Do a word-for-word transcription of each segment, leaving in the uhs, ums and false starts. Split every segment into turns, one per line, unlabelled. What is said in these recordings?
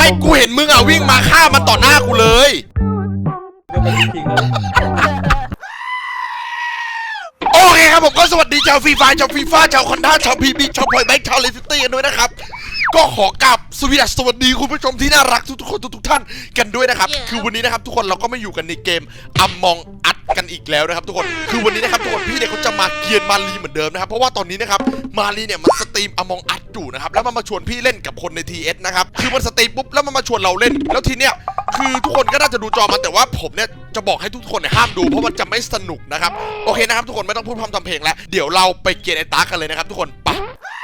กูเห็นมึงอ่ะวิ่งมาฆ่ามันต่อหน้ากูเลยโอเคครับผมก็สวัสดีชาวฟรีไฟชาวฟีฟ่าชาวคอนด้าชาวพีบีชาวพอยแบงค์ชาวเลสตี้กันด้วยนะครับก็ขอกราบสวัสดีคุณผู้ชมที่น่ารักทุกๆคนทุกๆท่านกันด้วยนะครับคือวันนี้นะครับทุกคนเราก็มาอยู่กันในเกมอัมมองอัดกันอีกแล้วนะครับทุกคนคือวันนี้นะครับทุกคนพี่เนี่ยเขาจะมาเกียนมารีเหมือนเดิมนะครับเพราะว่าตอนนี้นะครับมารีเนี่ยมันสตรีมอัมมองอัดอยู่นะครับแล้วมันมาชวนพี่เล่นกับคนใน ที เอส นะครับคือมันสตรีมปุ๊บแล้วมันมาชวนเราเล่นแล้วทีเนี้ยคือทุกคนก็น่าจะดูจอมันแต่ว่าผมเนี่ยจะบอกให้ทุกคนเนี่ยห้ามดูเพราะมันจะไม่สนุกนะครับโอเคนะครับทุกคนไม่ต้องพูดพร่ำทำเพลงแล้วเดี๋ยวเราไปเกียนไอ้ตากันเลยนะครับทุกคนไป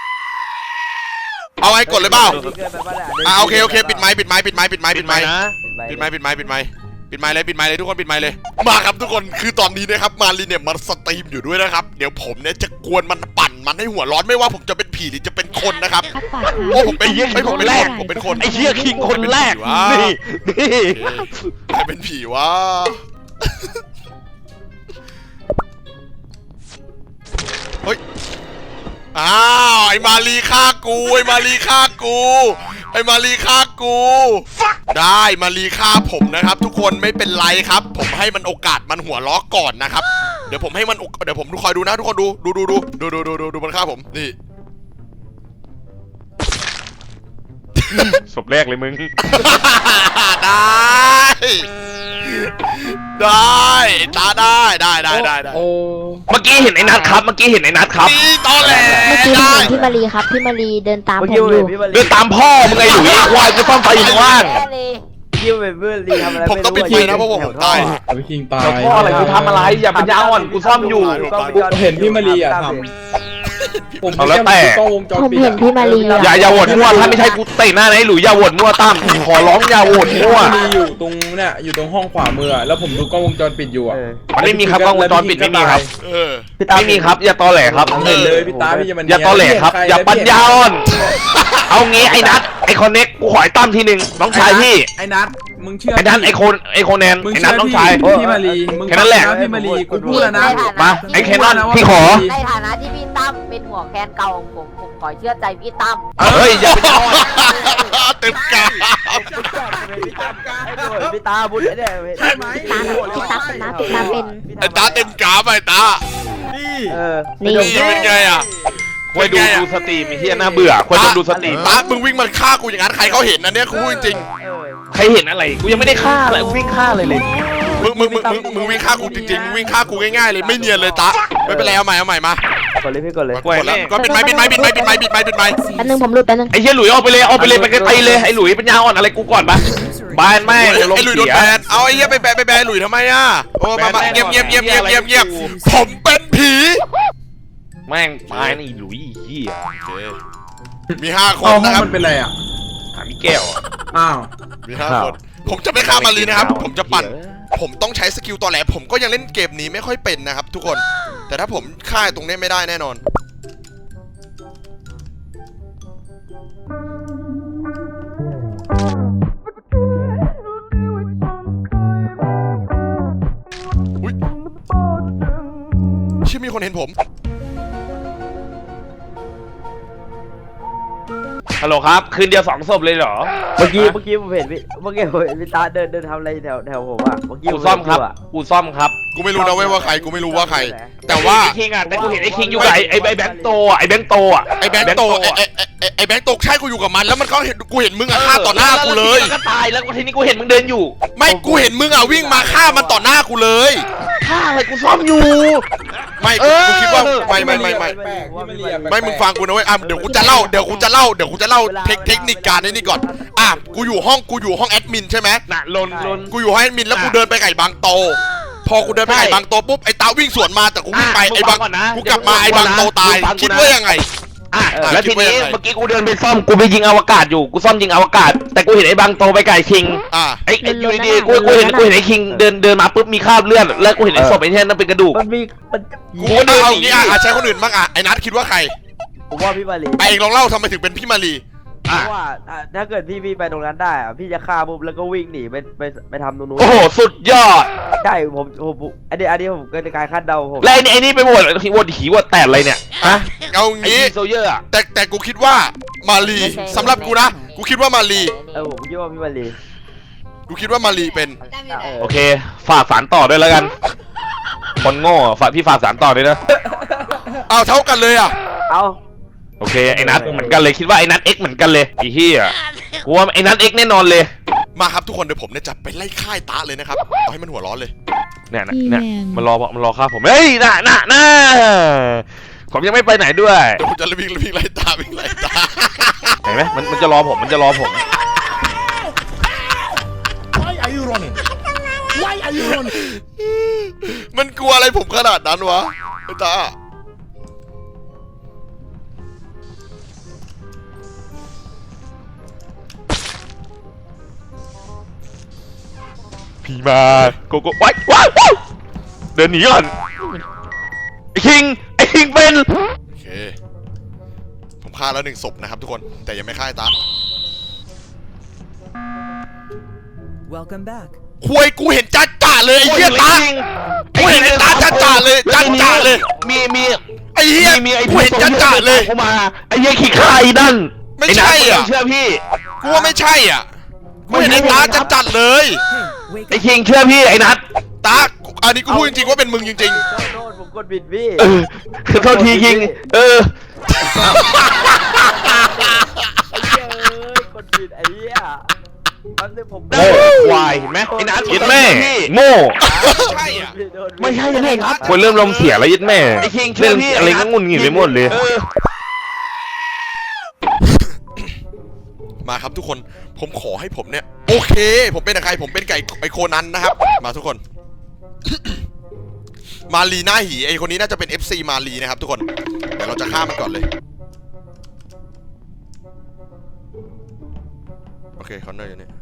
เอาไว้กดเลยเปล่าอ่าโอเคโอเคปิดไม้ปิดไม้ปิดไม้ปิดไม้ปิดไม้ปิดไม้ปิดไม้ปิดไม้ปิดไม้เลยปิดไม้เลยทุกคนปิดไม้เลยมาครับทุกคนคือตอนนี้นะครับมารีเนี่ยมันสตรีมอยู่ด้วยนะครับเดี๋ยวผมเนี่ยจะกวนมันปั่นมันให้หัวร้อนไม่ว่าผมจะเป็นผีหรือจะเป็นคนนะครับโอ้ผมเป็นไม่ผมเป็นคนผมเป็นคน
ไอ้เหี้ยคิงคนแรกนี่นี่
ใครเป็นผีวะเฮ้ยอ้าวไอ้มารีฆ่ากูไอ้มารีฆ่ากูไอ้มารีฆ่ากูได้มารีฆ่าผมนะครับทุกคนไม่เป็นไรครับผมให้มันโอกาสมันหัวล้อก่อนนะครับเดี๋ยวผมให้มันเดี๋ยวผมดูคอยดูนะทุกคนดูดูดูดูดูดูดูดูดูมันฆ่าผมนี่
ศพแรกเลยมึง
ได้ได้ตาได้ได้ได้ได้ได้
เมื่อกี้เห็นไอ้นัทครับเมื่อกี้เห็นไอ้นัทครับ
นี่ตอนแรก
เมื่อกี้เห็นพี่มารีครับพี่มารีเดินตามผมอยู่
เดินตามพ่อมึงไงหลุยควายจะต้องไปอยู่ว่าง
คิวเป็นเพื่อนรีทำอะไร
ผมต้องไปทีนะเพราะว่าผมตาย
ไปคิงตาย
พ่ออะไรกูทำอะไรอย่าปัญญาอ่อนกูซ่อมอยู่
เห็นพี่มารีอ่ะทำผม
แล้วแต่
ผมเห็นพี่มารี
อย่าอย่าโหวตมั่วถ้าไม่ใช่กูเตะหน้าไอ้หลุยอย่าโหวตมั่วตั้มขอร้องอย่าโหวตมั่ว
มีอยู่ตรงเนี่ยอยู่ตรงห้องขวามือแล้วผมดูกล้องวงจรปิดอยู่อ่ะ
มันไม่มีครับกล้องวงจรปิดไม่มีครับไม่มีครับอย่าตอแหลครับ
เห็นเลยพี่ตาพี่จะมัน
อย่าตอแหลครับอย่าปัญญาอ่อนเอางี้ไอ้นัทไอ้คอนเน็กกูขอไอ้ตั้มทีหนึ่งน้องชายพี่
ไอ้นัทมึงเชื่อ
ไอ้นัทไอ้โคนไอ้โคแนนไอ้นัทน้องชาย
พี่มารี
แค่นั้นแหละ
พี่มารีกูพูดแล้วนะ
มาไอ้แคนนอนพี่ขอ
ในฐานะที่พี่ตั้มเป็นหัวแคนเก่าของผมผมขอเชื่อใจพี่ตั้ม
เฮ้ยอย่าไปยอม
เต็มกา
พี่ตาบุญเนี่ย
ใช่ไหมตาพี่ตาเป็นนะพี่ตาเป็น
ไอ้ตาเต็มกาไปตา
นี่
เออ
นี่เป็นไงอ่ะ
ควายดูดูสตรีมไอ้เหี้ยน่าเบื่อควายดูดูสตรีม
ตามึงวิ่งมาฆ่ากูอย่างนั้นใครเขาเห็นนะเนี่ยกูพูดจริง
ใครเห็นอะไรกูยังไม่ได้ฆ่าเลยวิ่งฆ่าเลยเลย
มึงมึงมึงมึงมึงวิ่งฆ่ากูจริงๆมึงวิ่งฆ่ากูง่ายๆเลยไม่เนียนเลยตาไม่เป็นไรเอาใหม่เอาใหม่ม
ากดเลยพี่กดเลย
กดแล้วก็ปิดไม้ปิดไม้ปิดไม้ปิดไม้ปิดไม้ปิดไม้
แป๊บนึงผมหลุดแป๊บนึง
ไอ้เหี้ยหลุยออกไปเลยออกไปเลยไปไกลเลยไอ้หลุยปัญญาอ่อนอะไรกูก่อนปะบ้านแม่ง
ไอ้หลุยโดนแบนเอาไอ้เหี้ยไปแบนไปแบนหลุยทำไมอ่ะโอ้มาเงียบเงียบเงียบเงียบเงียบเงียบผมเป็นผี
แม่งตายนี่หลุยเหี้ย
มีห้าคนนะครับ
มันเป็นอะไรอ่ะ
หามีแก้ว
อ้าว
มีห้าคนผมจะไม่ฆ่ามารีนะครับผมจะปั่นผมต้องใช้สกิลตอแหลผมก็ยังเล่นเกมนี้ไม่ค่อยเป็นนะครับทุกคนแต่ถ้าผมฆ่าตรงนี้ไม่ได้แน่นอนอุ๊ยเชื่อมีคนเห็นผม
ฮัลโหลครับคืนเดียวสองศพเลยเหรอ
เมื่อกี้เมื่อกี้ผมเห็นพี่เมื่อกี้ผมเห็นพี่ตาเดินเดินทำอะไรแถวแถวผมอ่ะเมื่อกี้
กูซ่อมครับกูซ่อมครับ
กูไม่รู้นะเว้ยว่าใครกูไม่รู้ว่าใครแต่ว่า
ไอ้คิงอ่ะแต่กูเห็นไอ้คิงอยู่กับไอ้ไอ้แบงค์โตอ่ะไอ้แบงค์โตอ่ะ
ไอ้แบงค์โตไอ้ไอ้ไอ้แบงค์โตใช่กูอยู่กับมันแล้วมันก็เห็นกูเห็นมึงอ่ะฆ่าต่อหน้ากูเลย
ก็ตายแล้วทีนี้กูเห็นมึงเดินอยู่
ไม่กูเห็นมึงอ่ะวิ่งมาฆ่ามันต่อหน้ากูเลย
ฆ่าอะไรกูซ่อมอยู่
ไม่กูคิดว่าไม่ไม่ไม่ไม่ไม่มึงฟังกูนะเว้ยอ่ะเดี๋ยวกูจะเล่าเดี๋ยวกูจะเล่าเดี๋ยวกูจะเล่าเทคนิคการนี่ก่อนอ่ะกูอยู่ห้องกูอยู่ห้องแอดมินใช่ไหม
น่ะลนลน
กูอยู่ห้องแอดมินแล้วกูเดินไปไก่บางโตพอกูเดินไปไก่บางโตปุ๊บไอ้ตาวิ่งสวนมาแต่กูวิ่งไปไอ้บางกูกลับมาไอ้บางโตตายคิดว่ายังไง
อ่ะแล้วทีนี้เมื่อกี้กูเดินไปซ่อมกูไปยิงอวกาศอยู่กูซ่อมยิงอวกาศแต่กูเห็นไอ้บางโตไปไก่คิง
อ่ะ
ไอ้อยู่ดีๆกูกูเห็นกูเห็นไอ้คิงเดินเดินมาปุ๊บมีคราบเลือดแล้วกูเห็นไอ้ศพไอ้เนี่ยนั่นเป็นกระดูก
มันมีมัน
กูเดินเอาอย่างนี้อ่ะใช้คนอื่นบ้างอ่ะไอ้นัทคิดว่าใคร
ผมว่าพี่มารี
ไปเองลองเล่าทำไมถึงเป็นพี่มารี
เพราะว่าถ้าเกิดพี่พี่ไปตรงนั้นได้อะพี่จะฆ่าปุ๊บแล้วก็วิ่งหนีไปไปไปทำตรงนู้น
โอ้โหสุดยอด
ใช่ผมผมอันนี้อันนี้ผมเกิดการคาดเดาผม
แล้วไอ้นี่ไปหมดที่วดหีวดแตกอะไรเนี่ยฮะ
เอางี้
โซเยอร์อะ
แต่แต่กูคิดว่ามารีสำหรับกูนะกูคิดว่ามารี
เออผมคิดว่าพี่มารี
กูคิดว่ามารีเป็น
เออ
โอเคฝากสารต่อด้วยแล้วกันคนโง่ฝากพี่ฝากสารต่อด้วยนะ
อ้าวเท่ากันเลยอ่ะ
เอา
โอเคไอ้นัทเหมือนกันเลยคิดว่าไอ้นัทเอ็กเหมือนกันเลยไอ้เหี้ยกูว่าไอ้นัทเอ็กแน่นอนเลย
มาครับทุกคนเดี๋ยวผมเนี่ยจะไปไล่ค่ายตาเลยนะครับเอาให้มันหัวร้อนเลย
เนี่ยนะเนี่ยมันรอมันรอฆ่าผมเฮ้ยน่ะน่ะน่ะผมยังไม่ไปไหนด้วย
เดี๋ยวผมจะวิ่งวิ่งไล่ตาวิ่งไล่ตา
เห็นไหมมันมันจะรอผมมันจะรอผม
Why are you running? Why are you running?
มันกลัวอะไรผมขนาดนั้นวะไอ้ตา
พี่มาโกโก้ว้ายว้ายว้ายเดินหนีก่อนไอ้คิงไอ้คิงเป็น
โอเคผมฆ่าแล้วหนึ่งศพนะครับทุกคนแต่ยังไม่ฆ่าไอ้ตา
Welcome back.
ควยกูเห็นจ้าจ่าเลยไอ้เหี้ยตากูเห็นไอ้ตาจ้าจ่าเลยจ้าจ่าเลย
มีมี
ไอ้เหี้ย
มีไอ้
กูเห็นจ้าจ่าเลย
เข้ามาไอ้เหี้ยขี้ข้าไอ้นั่น
ไม่ใช่อ่ะ
เชื่อพี่
กูว่าไม่ใช่อ่ะกูเห็นไอ้ตาจ้าจัดเลย
Hey, wake
ไอ้
up.
คิงเชื่อพี่ไอ้นัท
ตาอันนี้กูพูดจริงๆว่าเป็นมึงจริง
โทษโทษผมกดบิดพี่
เออคือโทษทีคิงเออ
ไอ้เหี้ยเอ้ยกดบิดไอ้เหี้ยแป๊บนึงผม
โง่ควายเห็นไหมไอ้นัทยิดแม่โง่
ๆใช่อ่ะ
โดนบิด
ไม่ใช่เลยครับคนเริ่มลมเสียแล้วยิดแม่ไอ้คิงเชื่อพี่อะไรก็งุนงิดไปหมดเลย
มาครับทุกคนผมขอให้ผมเนี่ยโอเค ผมเป็นใครผมเป็นไก่ไอโคนันนะครับมาทุกคน มารีหน้าหีไอคนนี้น่าจะเป็น เอฟ ซี มารีนะครับทุกคนเดี๋ยวเราจะฆ่ามันก่อนเลยโอเคคอนเนอร์อยู่นี่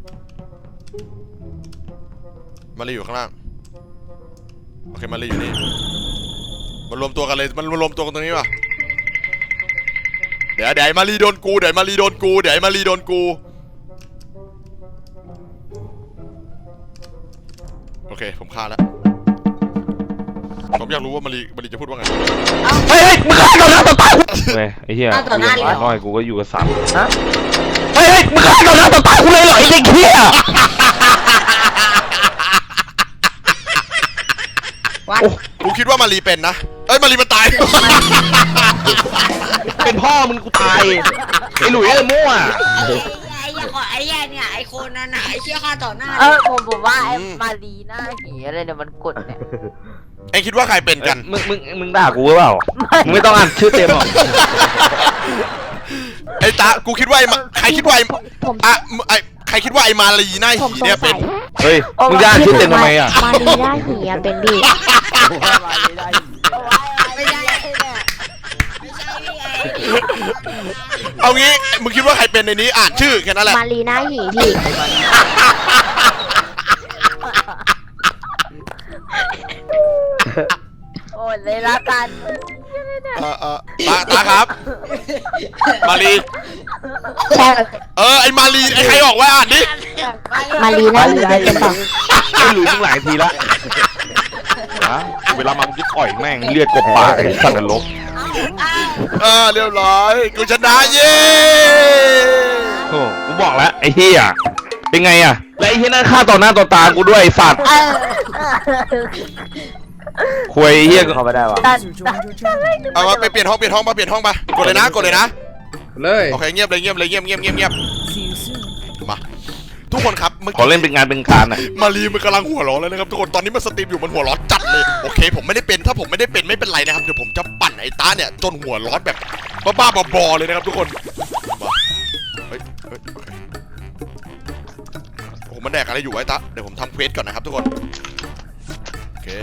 มารีอยู่ข้างล่างโอเคมารีอยู่นี่มารวมตัวกันเลยมันมารวมตัวกันตรงนี้ป่ะเดี๋ยวเดี๋ยวมารีโดนกูเดี๋ยวมารีโดนกูเดี๋ยวมารีโดนกูโอเคผมฆ่าแล้วผมอยากรู้ว่ามารีมารีจะพูดว่าไง
เฮ้ยมึงฆ่าต่อหน้าต่อตากูเลยไอ้เหี้ยน้อยกูก็อยู่กับสัตว์เฮ้ยมึงฆ่าต่อหน้าต่อตากูเลยเหรอไอ้เด็กเหี้ย
โอ้กูคิดว่ามารีเป็นนะเอ้ยมารีมันตาย
เป็นพ่อมึงกูตายไอ้หลุยไอ้มั่ว
ไอ้ขอไอ้แย่เนี่ยไอ้คนนั้นน่ะไอ้เชี่ยฆ่าต่อหน้าเออผมผมว่าไอ้มารีหน้าหีอะไรเนี่ยมันกดเนี่ย
เอ็งคิดว่าใครเป็นกัน
มึงมึงมึงด่ากูหรือเปล่ามึงไม่ต้องอ่านชื่อเต็มหรอก
ไอ้ตากูคิดว่าไอ้มาใครคิดว่าไอ้
ผม
อะไอ้ใครคิดว่าไอ้มารีหน้า
ผม
หี
สง
เนี่ย
สั
เป็น
ย
เฮ้ยมึงจะอ่านชื่อเต็มทำไมอ่ะ
มารีหน้าหีอะเป็นพี่
ผมว่ามารีได้
ไม่ใช่เนี่ยไม่ใช่พี่ไอ้
เอางี้มึงคิดว่าใครเป็นในนี้อ่านชื่อแค่นั้นแหละ
มารีหน้าหีพี่
โอ้ยเลยละกัน
เออเออตาตาครับ มารี
ใช่
เออไอ้มารีไอ้ใครออกไว้อ่านดิ
มารีหน้าหีเป็นเปล่า
ไอ้หลุยมึงหลายทีละฮะเวลามามึงจะต่อยแม่งเลือดกบปากไอ้สัตว์นรก
เออเรียบร้อยกูชนะเย้
โอ้กูบอกแล้วไอ้เหี้ยเป็นไงอ่ะแล้วไอ้เหี้ยนั่นฆ่าต่อหน้าต่อตากูด้วยไอ้สัตว์คุยไอ้เหี้ย
เข้าไม่ได้วะ
User joined your channel.
เอามาไปเปลี่ยนห้องเปลี่ยนห้องมาเปลี่ยนห้องมากดเลยนะกดเลยนะ
เลย
โอเคเงียบเลยเงียบเลยเงียบเงียบเงียบเงียบ
See you soon.
มาทุกคนครับเมื่อ
ขอ
กี้
เล่นเป็นงานเป็นการอ่ะ
มารีมันกำลังหัวร้อนเลยนะครับทุกคนตอนนี้มันสตรีมอยู่มันหัวร้อนจัดเลยโอเคผมไม่ได้เป็นถ้าผมไม่ได้เป็นไม่เป็นไรนะครับเดี๋ยวผมจะปั่นไอ้ตาเนี่ยจนหัวร้อนแบบบ้าๆบอๆเลยนะครับทุกคนมาเฮ้ยเฮ้ยโอเคโอ้โหมันแดกอะไรอยู่ไอ้ตาเดี๋ยวผมทำเควสก่อนนะครับทุกคนโอเค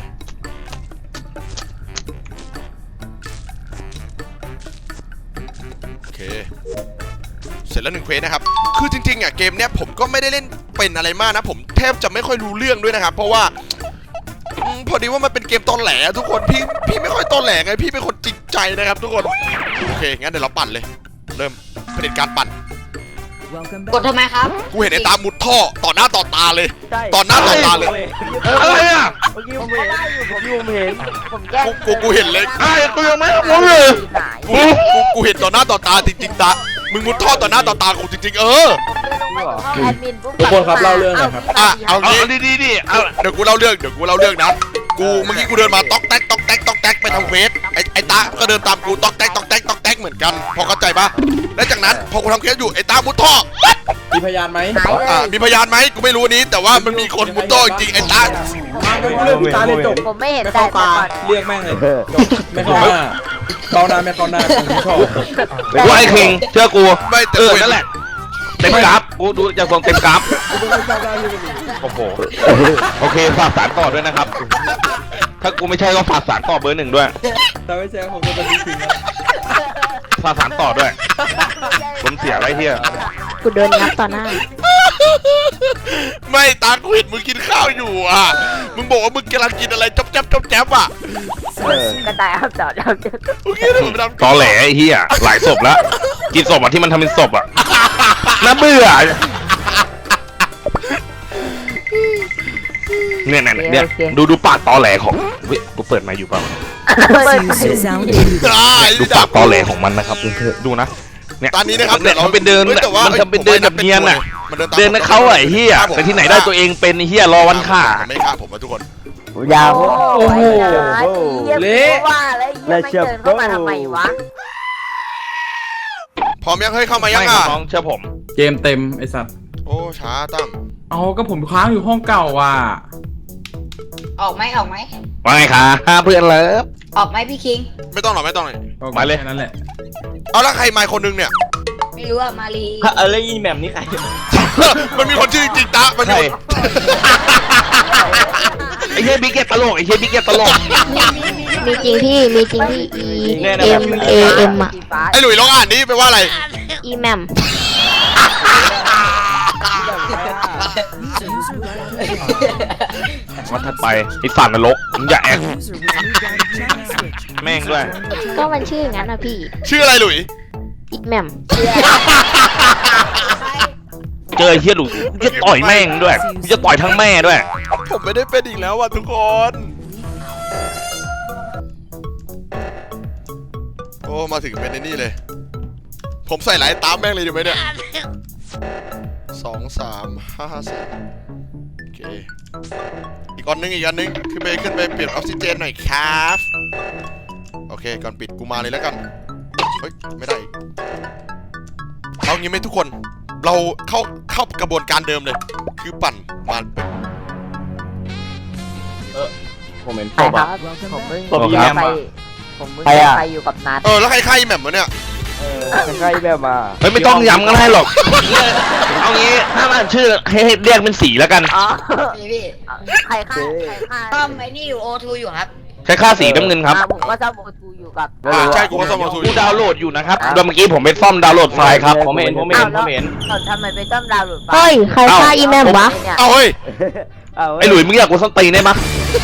โอเคเสร็จแล้วหนึ่งเควสนะครับคือจริงๆอ่ะเกมเนี้ยผมก็ไม่ได้เล่นเป็นอะไรมากนะผมแทบจะไม่ค่อยรู้เรื่องด้วยนะครับเพราะว่าอืมพอดีว่ามันเป็นเกมตอนแหลทุกคนพี่พี่ไม่ค่อยตอนแหลไงพี่เป็นคนจริงใจนะครับทุกคนโอเคงั้นเดี๋ยวเราปั่นเลยเริ่มเผด็จการปั่น
Welcome
กด
back.
ทำไมครับ
กูเห็นไอ้ตามุดท่อต่อหน้าต่อตาเลย
ใช่
ต่อหน้าต่อตาเลย
อะไรอ่ะ
เมื่อกี้ผมเห็นผมอยู่ผมเห็น
ผมแก้
กูกูกูเห็นเลย
ไอ้กูยังไม่รู้เลย
กูกูกูเห็นต่อหน้าต่อตาจริงๆตามึงมุดท่อต่อหน้าต่อตากูจริงๆเออ
แอดมินปุ๊บ
ทุกคนครับเล่าเรื่องหน่อยครับ
อ่ะเอา
เอา
งี้
ดีดีดีเอา
เดี๋ยวกูเล่าเรื่องเดี๋ยวกูเล่าเรื่องนะกูเมื่อกี้กูเดินมาต๊อกแต๊กต๊อกแต๊กต๊อกแต๊กไปทำเควสไอ้ไอ้ตาก็เดินตามกูต๊อกแต๊กต๊อกแต๊กต๊อกแต๊กเหมือนกันพอเข้าใจปะและจากนั้นพอกูทำเควสอยู่ไอ้ตามุดท่อ
มีพยานไหม
อ่ะมีพยานไหมกูไม่รู้อันนี้แต่ว่ามันมีคนมุดท่อจริงๆไอ้ตา
มาไม่เรื่องพี่ตาเลยจบ
ผมไม่เห็น
ไม่
แต่
เข้าตาเรียกแม่งเลยจบไม่เข้าหน้าเข้าหน้าไม่เข้าหน้าผมชอบ
กูไอ้คิงเชื่อกู
ไม่แต่
เออ
กูเห็
นั่นแหละเต็มกราฟกูดูจากทรงเต็มกราฟ
กูไม่เข้าหน้าพี่เป็น
โอ้โหโอเคฝากสารต่อด้วยนะครับ ถ้ากูไม่ใช่ก็ฝากสารต่อเบอร์หนึ่งด้วย
แต่ไม่ใช่ผมจะเป็นทิ้งแล้ว
ฝากสารต่อด้วยผมเสียไรเฮีย
กูโดนงับต่อหน้า
ไม่ตากูเห็นมึงกินข้าวอยู่อ่ะมึงบอกว่ามึงกำลังกินอะไรจ๊อบแจ๊บจ๊อบแจ๊บอ่ะ
กระต่ายอ้าวจอดจอด
มึงกินอะไรมึงทำ
ตอแหลไอ้เฮียหลายศพแล้วกินศพอ่ะที่มันทำเป็นศพอ่ะน่าเบื่อเนี่ยเนี่ยเนี่ยดูดูปากตอแหลของเฮ้ยกูเปิดไมค์อยู่เปล่า
User sound muted.
ได้
ดูปากตอแหลของมันนะครับดูนะเนี่ย
ตอนนี้นะครับ
เนี่ยมันเป็นเดิน
ฮ้ยแต่ว่า
มันทำเป็นเดินแบบเนียนน่ะ
มันตาม
เดินนะเขาไอ้เฮียแต่ที่ไหนได้ตัวเองเป็นไอ้เฮียรอวันฆ่า
มันไม่ฆ่าผมนะทุกคน
ยาว
โอ้โห
เละ
ว่าแล้วไอ้เหี้ยไม่เดินเข้ามาทำไมวะ
พร้อมยังเฮ้ยเข้ามายัง
ไม่
อ่ะ
น้องเชื่อผม
เกมเต็มไอ้สัตว์
โอ้ช้าตั้ม
เอาก็ผมค้างอยู่ห้องเก่าว่ะ
ออกไหมออกไหม
ว่าไงคะเพื่อนเลิฟ
ออกไหมพี่คิง
ไม่ต้องหรอกไม่ต้องหรอก
มาเลย
แค่นั้นแหละ
เอาแล้วใครมาคนนึงเนี่ย
ไม่รู้อะมารี
อะไรอีแหม่มนี่ใคร
มันมีคนชื่อจริงๆตามันมี
ใช่
คน
ไอ้เฮียบิ๊กเก็ตตลกไอ้เฮียบิ๊กเก็ตตลก
มีจริงพี่ มีจริงที่ E M A M อ่ะ
สีฟ้า
ไอ้หลุยลองอ่านดิแปลว่าอะไร
E M A M
User left your channel.
วันถัดไปไอ้สัตว์นรกมึงอย่าแอค
User was moved out of channel switch.
แม่งด้วย
ก็มันชื่ออย่างนั้นนะพี่
ชื่ออะไรหลุย
E M A M
เจอไอ้เฮียหลุยกูจะต่อยแม่งด้วยกูจะต่อยทั้งแม่ด้วย
ผมไม่ได้เป็นอีกแล้วว่ะทุกคน โอ้มาถึงเป็นในนี่เลย ผมใส่หลายตามแม่งเลยดีไหมเนี่ยสองสามห้าสี่โอเคอีกอันนึงอีกอันนึงขึ้นไปขึ้นไปเปลี่ยนออกซิเจนหน่อยครับโอเคก่อนปิดกูมาเลยแล้วกันเฮ้ยไม่ได้อีกเอางี้ไหมทุกคนเราเข้าเข้ากระบวนการเดิมเลย คือปั่นมัน
ผมเห็น
ใครครับ
Welcome
ผม
back.
เพิ่ง
ตบอีแมม
ไป
อะ
ผมเพิ่ง
ใครอะ
ไปอยู่กับนัด
เออแล้วใครใครแหม่มวะเนี่ย
ใครแบบมา
เฮ้ยไม่ต้องย้ำกันให้หรอกเอางี้ถ้ามันชื่อให้เรียกเป็นสีแล้วกัน
อ๋อพี่พี่ใครฆ่าใครฆ่าต้อมไอ้นี่อยู่โอทูอยู่ครับ
ใช้ค่าสีน้ำเงินครับ
อ่าผมก็ชอบโอทูอยู่กับ
อ่าใช่กูก็ซ่อมมาทู
กูดาวน์โหลดอยู่นะครับเมื่อกี้ผมไปซ่อมดาวน์โหลดไฟล์ครับผมเห็นผมเห็นผมเห็น
อ้าวทำไมไปต้อมดาวน์โหลดไฟล์
เฮ้ย ใครฆ่า E M A M วะ
เนี่ย
เอาเฮ้ย
ไอ้หลุยมึงอยากกูส้นตีนได้ปะ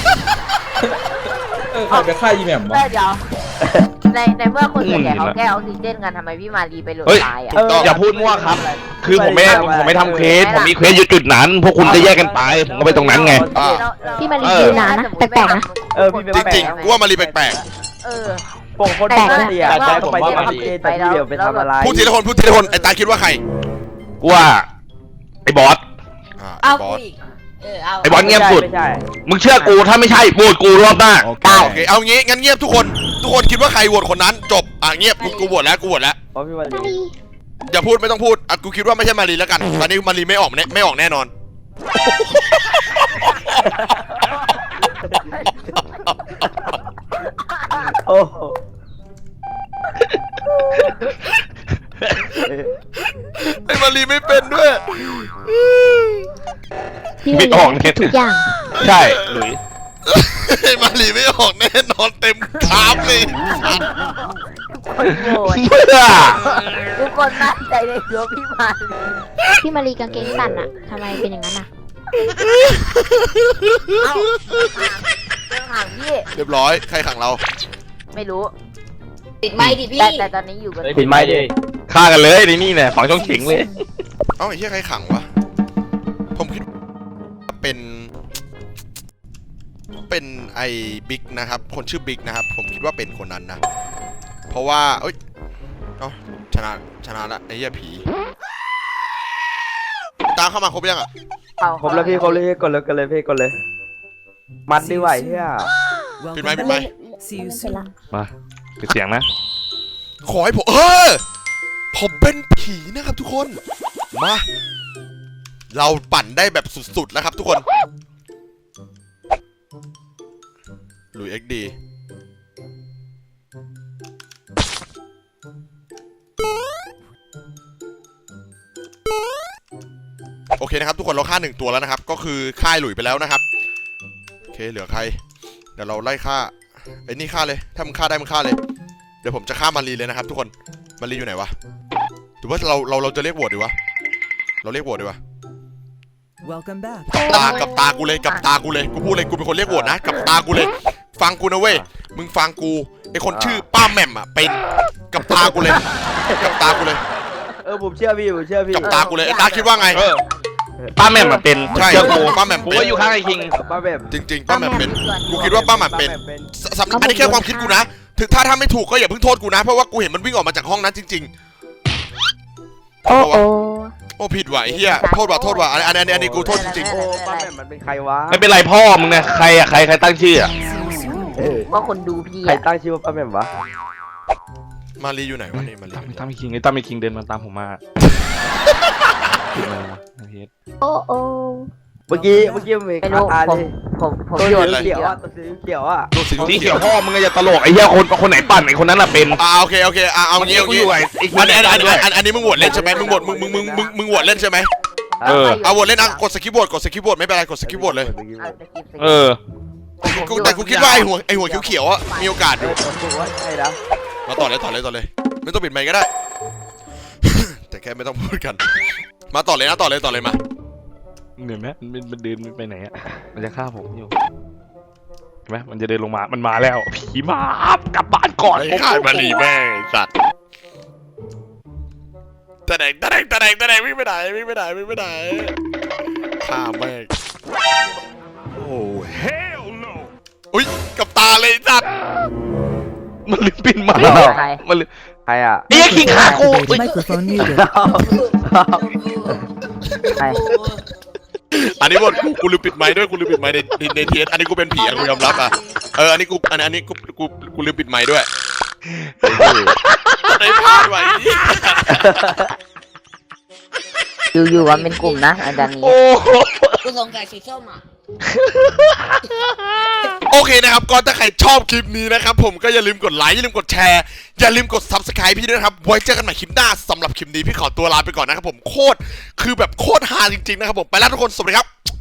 เออใครไปฆ่าอีแหม่ม
เอ
วะ
อเดี๋ยวในในเมื่อคนส่วนใหญ่เขาแก้ออกซิเจนกันทำไมพี่มารีไปโหลด
เฮ้ย
ไฟล์อ่ะ
อย่าพูดมั่วครับ คือผมไม่ผมไม่ทำเควสผมมีเควสอยู่จุดนั้น พวกคุณจะแยกกันไปผมก็ไปตรงนั้นไง
อ่า
พี่มารียืนนานนะ แปลกๆนะ
เออพี่เป็น
จริงๆกูว่ามารีแปลก
เออ
ปกคนปกติอ่ะใจผมว่ามันเจนแต่พี่เดียวไปทำอะไร
ๆพูดทีละคนพูดทีละคนไอ้ตาคิดว่าใคร
กูว่าไอ้บอส
อ่า
เอา
บอส
อีกเออเอา
ไอ้บอสเงียบสุด
ไม่ใช่
มึงเชื่อกูถ้าไม่ใช่โหวตกูรอบหน้า
โอเคเอางี้งั้นเงียบทุกคน ทุกคนคิดว่าใครโหวตคนนั้นจบอ่ะเงียบกูกูโหวตแล้วกูโหวตแล้ว
เพราะพี่วัน
มา
นี้
รี
อย่าพูดไม่ต้องพูดอ่ะกูคิดว่าไม่ใช่มารีแล้วกันตอนนี้มารีไม่ออกแน่ไม่ออกแน่นอน
โอ้โห
ไอ้มารีไม่เป็นด้วย
พี่
ไม่
มา
ออก
รี
เนี่ย
ทุกอย่าง
ใช่หลุย
ไอ้มารีไม่ออกแน่นอนเต็มคราฟเลย
โหวต
เพื่อ
ทุกคนมั่นใจในตัวพี่มารี
พี่มารีกางเกงสั้นอะทำไมเป็นอย่างนั้นอะ
เอ้าเรื่องห่างพี่
เรียบร้อยใครขังเรา
ไม่รู้
ปิดไมค์ดิพี่
แต่แต่ตอนนี้อยู่กัน
ปิดไม้ดิ
ฆ่ากันเลยในนี่เนี่ยฝังช่องเข็งเลย
เอ้าไอ้เหี้ยใครขังวะผมคิดว่าเป็น เป็นไอ้บิ๊กนะครับคนชื่อบิ๊กนะครับผมคิดว่าเป็นคนนั้นนะเพราะว่าเอ้ยเอ้าชนะชนะละไอ้เหี้ยผีตามเข้ามาครบยังอ่ะ
ครบแล้วพี่ครบเลยพี่กดเลยกดเลยพี่กดเลย มันดีไหวเฮีย
ปิด
Welcome
ไมค์ปิดไม
back.
ค์
See you soon.
มาปิดเสียงนะ
ขอให้ผมเออผมเป็นผีนะครับทุกคนมาเราปั่นได้แบบสุดๆแล้วครับทุกคนหลุยเอ็กดีโอเคนะครับทุกคนเราฆ่าหนึ่งตัวแล้วนะครับก็คือฆ่าหลุยไปแล้วนะครับโอเคเหลือใครเดี๋ยวเราไล่ฆ่าไอ้นี่ฆ่าเลยถ้ามึงฆ่าได้มึงฆ่าเลยเดี๋ยวผมจะฆ่ามารีเลยนะครับทุกคนมารีอยู่ไหนวะหรือว่าเราเราเราจะเรียกโหวตดีวะเราเรียกโหวตดีวะ
Welcome back.
กับตากับตากูเลยกับตากูเลยกูพูดเลยกูเป็นคนเรียกโหวตนะกับตากูเลยฟังกูนะเว้ยมึงฟังกูไอคนชื่อป้าแหม่มอ่ะเป็นกับตากูเลยกับตากูเลย
เออผมเชื่อพี่ผมเชื่อพี่
กับตากูเลยไอ้ตาคิดว่าไง
เออป้าแม่มมาเป็น
ใช่
เชื่อกู
ป้าแหม่ม
กู
เป็น
ก็อยู่ข้างไอ้คิง
ป้าแบบ
จริงๆป้าแหม่มเป็นกูคิดว่าป้าแหม่มเป็นสสำอันนี้แค่ความคิดกูนะถึงถ้าถ้าไม่ถูกก็อย่าเพิ่งโทษกูนะเพราะว่ากูเห็นมันวิ่งออกมาจากห้องนั้นจริงๆ
โอ้โอ้
โอ้ผิดว่ะไอ้เหี้ยโทษว่ะโทษว่ะอันอันอันอันนี้กูโทษจริง
โอ้ป้าแบบมันเป็นใครวะ
ไม่เป็นไรพ่อมึงนะใครอะใครใครตั้งชื่ออะ
See you soon.
เออ
ว่าคนดูพี่
ใคร
อะ
ตั้งชื่อว่าป้าแบบวะ
ๆมารีอยู่ไหนวะนี่มารี
ตามตามไอ้คิงไอ้ตามไอ้คิงเดินมาตามผมมาคิงมาไอ้เฮ็ด
โอ้โอ้
เมื่อกี้เมื่อกี้มันมี
ไม่
คา
รู้
ตา
ผ
เล
ม
ย
ผมผม
ตัว
โยน
สี
เขี
เขี
ย
ยว วอ่ะตัวสีเขียวอ่ะ
ตัวสี
สี
เขี
เขี
ย
ยว วพ่อมึงอย่าตลกไอ้เหี้ยคนคนไหนปั่นไอ้คนนั้นน่ะเป็น
อ่าโอเคโอเคอ่าเอา
เมื่อ
งี้
กี้
เอา
กู
งี้
อยู่ไอ้ไอ้คิง
อันนี้อันนี้อัน
ด้วย
นี้อันอันนี้มึงโหวตเล่นใช่ไหมมึงโหวตมึงมึงมึงมึงมึงโหวตเล่นใช่ไหม
เออ
เอาโหวตเล่นอ่ะกดสกิปโหวตกดสกิปโหวตไม่เป็นไรกดสกิปโหวตเลย
เอาสกิปสกิป
เออ
กูแต่กูคิดว่าไอหัวไอหัวเขียวๆอ่ะมีโอกาสอ
เอยู่ อผมว่าใช่นะ
มาต่อเลยต่อเลยต่อเลยไม่ต้องปิดไมค์ก็ได้ แต่แค่ไม่ต้องพูดกัน มาต่อเลยนะต่อเลยต่อเลยมา
เหนื่อยไหมมันมันเดินไปไหนอะมันจะฆ่าผมอยู่เห็นไหมมันจะเดินลงมามันมาแล้วผีมากลับบ้านก่อน
ไอ้ขายมาลีแม่งไอ้สัตว์ตะแดงตะแดงตะแดงตะแดงวิ่งไปไหนวิ่งไปไหนวิ่งไปไหนฆ่าแม่งโอ้ hell no อุ้ยกับตาเลยไอ้สัตว์
มันลืมปินมา
ใคร
มันลืม
ใครอ่ะ
ไอ้คิงฆ่ากู
Microphone muted.
ใคร
อันนี้หมดกูกูลืมปิดไมค์ด้วยกูลืมปิดไมค์ในในในทีเอสอันนี้กูเป็นผีอ่ะกูยอมรับอ่ะเอออันนี้กูอันอันนี้กูกูกูลืมปิดไมค์ด้วยไอ้พลาดไว้
อยู่อยู่กันเป็นกลุ่มนะอาจารย์นี้
โอ้โห
กูสงสัยสีส้มอ่ะ
โอเคนะครับก็ถ้าใครชอบคลิปนี้นะครับผมก็อย่าลืมกดไลค์อย่าลืมกดแชร์อย่าลืมกด ซับสไครบ์ พี่ด้วยนะครับไว้เจอกันใหม่คลิปหน้าสำหรับคลิปนี้พี่ขอตัวลาไปก่อนนะครับผมโคตรคือแบบโคตรฮาจริงๆนะครับผมไปแล้วทุกคนสวัสดีครับ